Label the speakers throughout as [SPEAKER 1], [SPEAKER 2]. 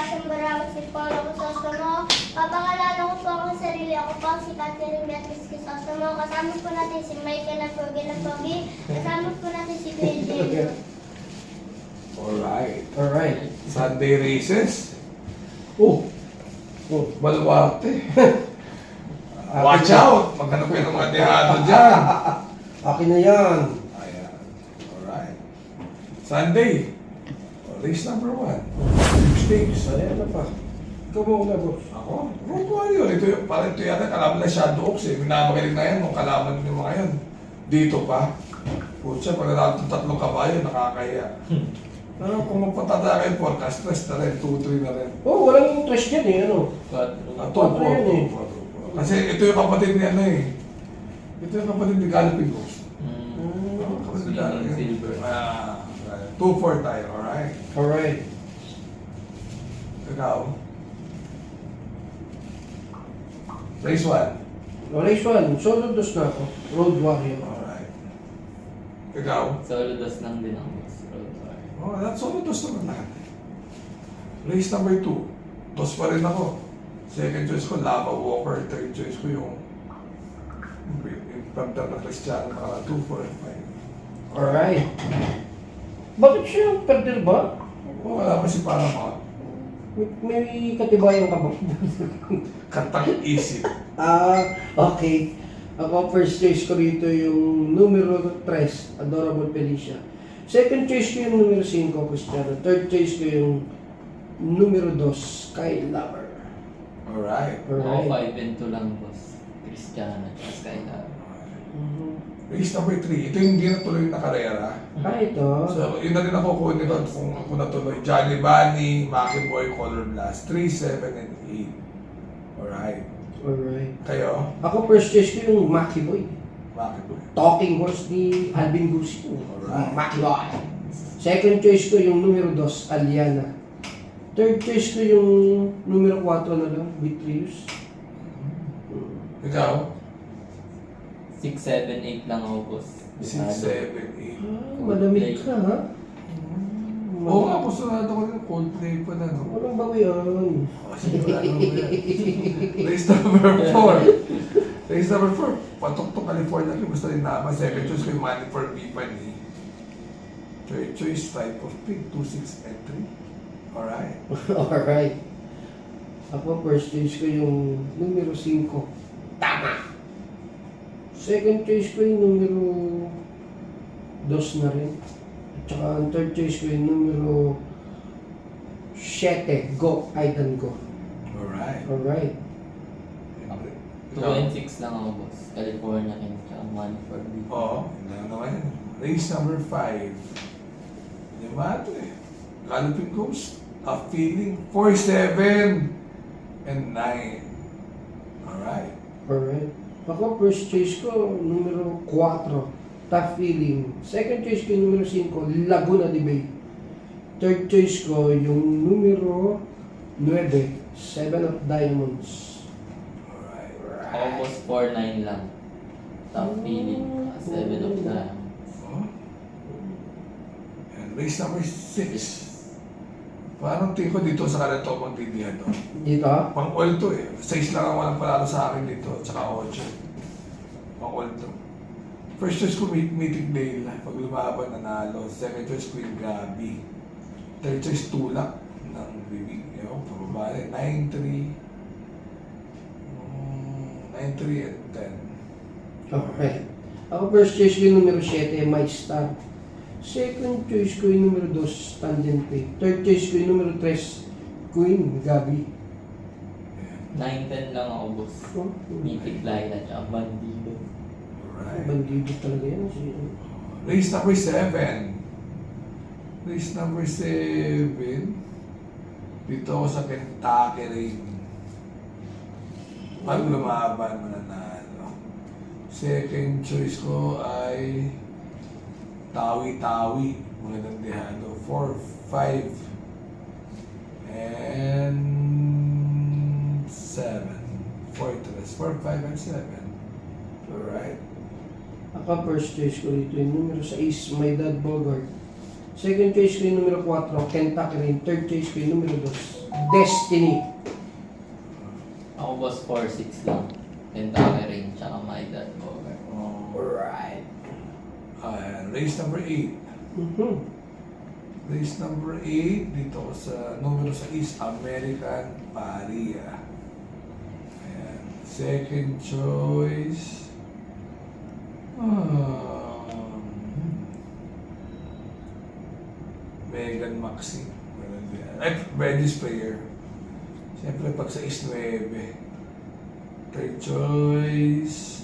[SPEAKER 1] Tasang Barang, si Paolo Crisostomo. Papangalanan ko po ang sarili. Ako po si Catherine Beatriz Crisostomo. Kasama po natin si Michael Lapogi. Kasama po natin si Kuya
[SPEAKER 2] Alright. Sunday races.
[SPEAKER 3] Oh.
[SPEAKER 2] Baluarte. Watch out! Maghanap kayo ng mga dehado dyan.
[SPEAKER 3] Akin na yan.
[SPEAKER 2] Ayan. Alright. Sunday. Race number 1. Stakes.
[SPEAKER 3] Ayan na pa. Ikaw mo na, boss.
[SPEAKER 2] Ako? Road warrior. Parang ito yata kalaban na Shadow Oaks eh. Minamagaling na yan nung kalaban ng mga yan. Dito pa. Putsa, pag natatong 3 kabayo, nakakaya. Pero kung magpatada kayo forecast, stress na rin, 2-3 na rin.
[SPEAKER 3] Oh, walang interest yan eh, ano?
[SPEAKER 2] 2-4.
[SPEAKER 3] yan eh.
[SPEAKER 2] Kasi ito yung kapatid ni ano eh. Ito yung kapatid ni Galloping Ghost. Kapatid ni Galloping
[SPEAKER 4] Silver.
[SPEAKER 2] 2-4 tayo, alright?
[SPEAKER 3] Alright.
[SPEAKER 2] Ikaw? Race 1.
[SPEAKER 3] Race 1, solo dos na ako. Road warrior.
[SPEAKER 2] Alright. Ikaw?
[SPEAKER 4] Solo dos lang din ako. Road warrior.
[SPEAKER 2] Oh, that's all. Dos naman lahat. Race number 2. Dos pa rin ako. Second choice ko, Lava Walker. Third choice ko yung Panther na Cristiano. 2, 4, and
[SPEAKER 3] Alright. Bakit siya perder ba?
[SPEAKER 2] 5. Oh, wala pa si Paramount.
[SPEAKER 3] May katibayan ka ba?
[SPEAKER 2] Katang isip.
[SPEAKER 3] Okay. Ako, first choice ko rito yung numero 3, Adorable Felicia. Second choice ko yung numero 5, Cristiano. Third choice ko yung numero 2, Sky Lover.
[SPEAKER 2] Alright.
[SPEAKER 4] Ako
[SPEAKER 3] Alright.
[SPEAKER 4] 5 and 2 lang, boss. Cristiano at Skylab.
[SPEAKER 2] Race number 3. Ito yung hindi natuloy na karera.
[SPEAKER 3] Ito.
[SPEAKER 2] So, yun na rin ako kunin doon kung ako natuloy. Johnny Bunny, Maki Boy, Color Blast. 3, 7, and 8. Alright.
[SPEAKER 3] Alright.
[SPEAKER 2] Kayo?
[SPEAKER 3] Ako, first choice ko yung Maki Boy.
[SPEAKER 2] Maki Boy.
[SPEAKER 3] Talking horse ni Alvin Gusio.
[SPEAKER 2] Alright.
[SPEAKER 3] Maki Boy. Second choice ko yung numero 2, Aliana. Third choice ko yung numero 4 na lang, Beatrice.
[SPEAKER 2] Ikaw?
[SPEAKER 4] 6, 7, 8 lang ako, boss.
[SPEAKER 2] 6, 7, 8.
[SPEAKER 3] Malamig ka, ha?
[SPEAKER 2] Oo nga, pusunado ko rin. Coldplay pa na, no?
[SPEAKER 3] Walang bago yan.
[SPEAKER 2] Oh, sige, wala naman yan. Race number 4. Race number 4. Patok to California. Gusto rin naman. Second choice ko yung Money for Bipani. Third choice, Type of Pig. 2, 6, and 3. Alright.
[SPEAKER 3] Alright. Ako, first choice ko yung numero 5. Tama! Second choice ko yung numero 2 na rin. At saka ang third choice ko yung numero 7. Go, Aidan Go.
[SPEAKER 2] Alright.
[SPEAKER 3] Alright.
[SPEAKER 4] 2 and 6 lang ako, boss. California and tsaka Money for me.
[SPEAKER 2] Oo, hindi naman yan. Race number 5. Hindi ba ito eh. Galloping Ghost. A Feeling. 4, 7, and 9. Alright.
[SPEAKER 3] Alright. Ako, first choice ko, numero 4, Tough Feeling. Second choice ko yung numero 5, Laguna de Bay. Third choice ko yung numero 9, 7 of Diamonds.
[SPEAKER 2] Alright.
[SPEAKER 4] Ako, boss, 4, 9 lang. Top feeling. 7 of diamonds.
[SPEAKER 2] Oh. And race number 6. Parang tingin ko dito sa kanito magtindihan to.
[SPEAKER 3] Dito?
[SPEAKER 2] Pang-all to eh. 6 lang ang walang palalo sa akin dito. Tsaka 8. Pang-all to. First choice ko Meeting Dale. Pag lumaban, nanalo. Second choice ko yung Gabi. Third choice Tulak ng Bibig. Ewan, pababali. 9-3. 9-3 and 10.
[SPEAKER 3] Okay. Ako, first choice ko yung numero 7, My Star. Second choice ko yung numero 2, Stand and Pay. Third choice ko yung numero 3, Queen, Gabi.
[SPEAKER 4] 9, 10 lang ako, boss.
[SPEAKER 3] Oh,
[SPEAKER 4] Mythic Laila tsaka Bandido.
[SPEAKER 2] Alright.
[SPEAKER 3] bandido talaga yan.
[SPEAKER 2] Race number 7. Race number 7. Dito ako sa Kentucky rin. Pag lumaban, mananalo. Second choice ko ay Tawi-Tawi. Magandang dehado. 4, 5, and 7. Fortress. 4, 5, and 7. Alright.
[SPEAKER 3] Ako, first choice ko dito yung numero 6, My Dad Bogart. Second choice ko yung numero 4, Kentucky rin. Third choice ko yung numero 2, Destiny.
[SPEAKER 4] Ako boss 4-6 lang. Kentucky rin, tsaka my dad cover.
[SPEAKER 3] Alright.
[SPEAKER 2] Race number 8.
[SPEAKER 3] Mhm.
[SPEAKER 2] Race number 8, dito ko sa numero 6, American Paria. Ayan. Second choice, Megan Maxine. Ay, Brandis Player. Siyempre, pag sa is 9. Third choice,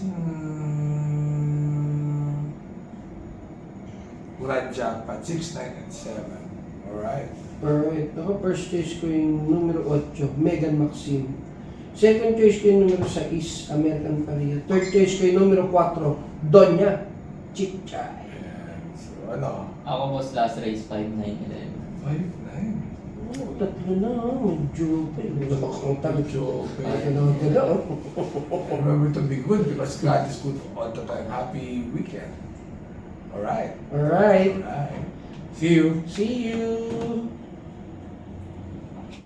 [SPEAKER 2] Grand Jackpot, 6, 9, and 7. Alright.
[SPEAKER 3] Alright. Ako, first choice ko yung numero 8, Megan Maxine. Second choice ko yung numero 6, American Paria. Third choice ko yung numero 4, Donya Chichay.
[SPEAKER 2] Ayan. So, ano?
[SPEAKER 4] Ako boss last race 5, 9, 11.
[SPEAKER 2] 5, 9.
[SPEAKER 3] Oh, tatlo na, medyo nakakangtag.
[SPEAKER 2] Medyo okay. Remember to be good because God is good all the time. Happy weekend. Alright.
[SPEAKER 3] Alright.
[SPEAKER 2] Alright. See you.
[SPEAKER 3] See you.